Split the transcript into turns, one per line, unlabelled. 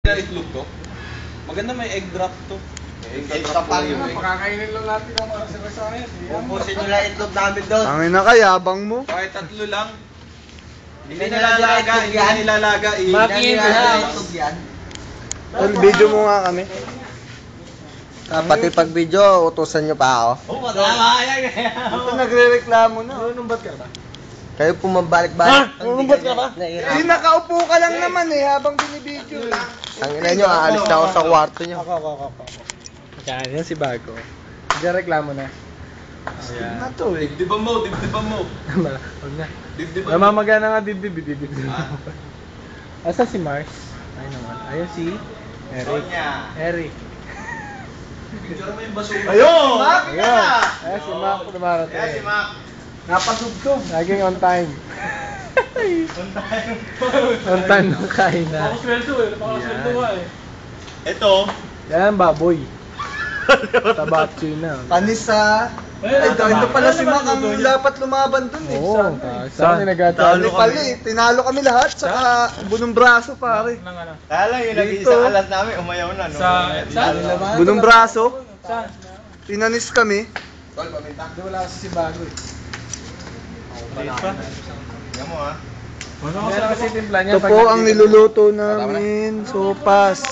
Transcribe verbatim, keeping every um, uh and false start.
Na itlog to. Maganda may egg drop to.
Egg drop pa rin.
Pakakainin lang natin ang mga sabasayan.
Pupusin nyo lang itlog namin doon.
Tangin na ka, yabang mo.
Kahit tatlo lang. Hindi
Hindi
nilalaga,
nilalaga
hindi
yan.
nilalaga.
Hindi nilalaga itlog yan.
Tol, video mo nga kami.
Ah, pati pag video, utusan nyo pa ako.
Oo, matama yan.
Ito nagre-reklamo na.
Nanumbat ka ba?
Kayo pumabalik-balik.
Nanumbat ka ba?
Eh, nakaupo ka lang naman eh, habang binibideo.
Ang ina nyo, aalis na ako sa kwarto nyo.
Ako, ako, ako. ako. Yan, yan si Bago. Diyan reklamo na.
Ayan. Na to eh.
Dibdiban mo, dibdiban mo.
Huwag na.
Dibdiban mo.
Namamagana nga dibdib, dibdib. Asa si Mars? Ay naman. Ayun si Eric. Eric.
Picture mo yung basura.
Ayun! Ayun! Ayun si Mac dumarating.
Ayan si Mac.
Napasugtog.
Laging on time.
On time.
On time nung kain na.
Napakasweldo eh. Napakasweldo nga eh. Ito.
Yan, baboy. Tabachi na.
Panis sa... Ay, ito pala si Mac ang dapat lumaban dun eh.
Oo, saan nag-atalo
Talo pala eh. Tinalo kami lahat, saka bunong braso pare.
Kaya lang yung
Dito.
nag-iisang alas namin, umayaw na. No? Sa...
Saan?
Bunong braso.
Saan?
Tinanis kami.
Tol, paminta.
Doon wala kasi si Bago eh.
Tingnan mo ha.
Yan kasi timpla niya.
Ito po ang niluluto namin, sopas.